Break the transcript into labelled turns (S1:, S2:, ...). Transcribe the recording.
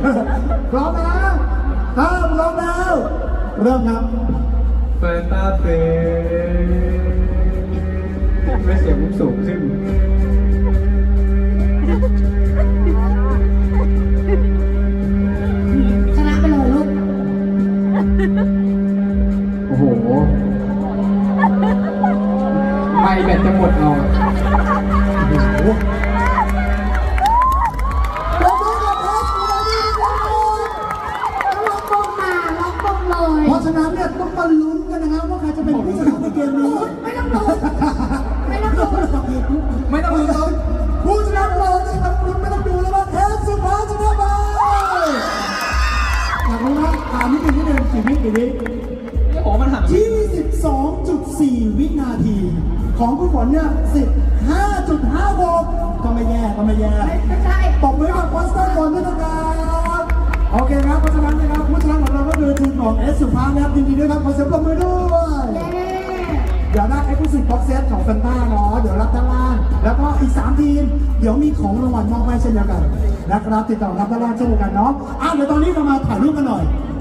S1: พร้อมนะถ้าพร้อมแล้วเริ่มครับ
S2: แฟนตาเต้ไม่เสียงมุกสูงขึ้น
S3: ชนะไปเลยลูก
S2: โอ้โหไม่แบตจะหมดเอา
S1: เพราะฉะนั้นเนี่ยต้องมาลุ้นกันนะครับว่าใครจะเป็นผู้ชนะในเกมนี้
S3: ไม่ต้องลุ้นไม่ต้องลุ้น
S2: ไม่ต้องลุ้นครับ
S1: ผู้ชนะเราจะทำลุ้นไม่ต้องดูแล้วว่าเทปสุดท้ายจะได้ไหมอยากรู้นะถามนิดนึงกี่วิ
S2: โอ้มันหัน
S1: 22.4 วินาทีของคุณฝนเนี่ย15.56ก็ไม่แย่
S3: ไม่ใช่
S1: ตบมือกับควอสเตอร์ก่อนด้วยนะครับโอเคครับเพราะฉะนั้นนะครับผู้ชนะของเราก็คือทีมของเอสสุภาพนะครับยินดีด้วยครับขอเสียงปรบมือด้วยเดี๋ยวได้เอ็กซ์คลูซีฟบ็อกเซตของแฟนต้าเนาะเดี๋ยวรับด้านล่างแล้วก็อีก3ทีมเดี๋ยวมีของรางวัลมอบให้เช่นเดียวกันนะครับติดต่อรับด้านล่างเช่นเดียวกันเนาะเดี๋ยวตอนนี้เรามาถ่ายรูปกันหน่อย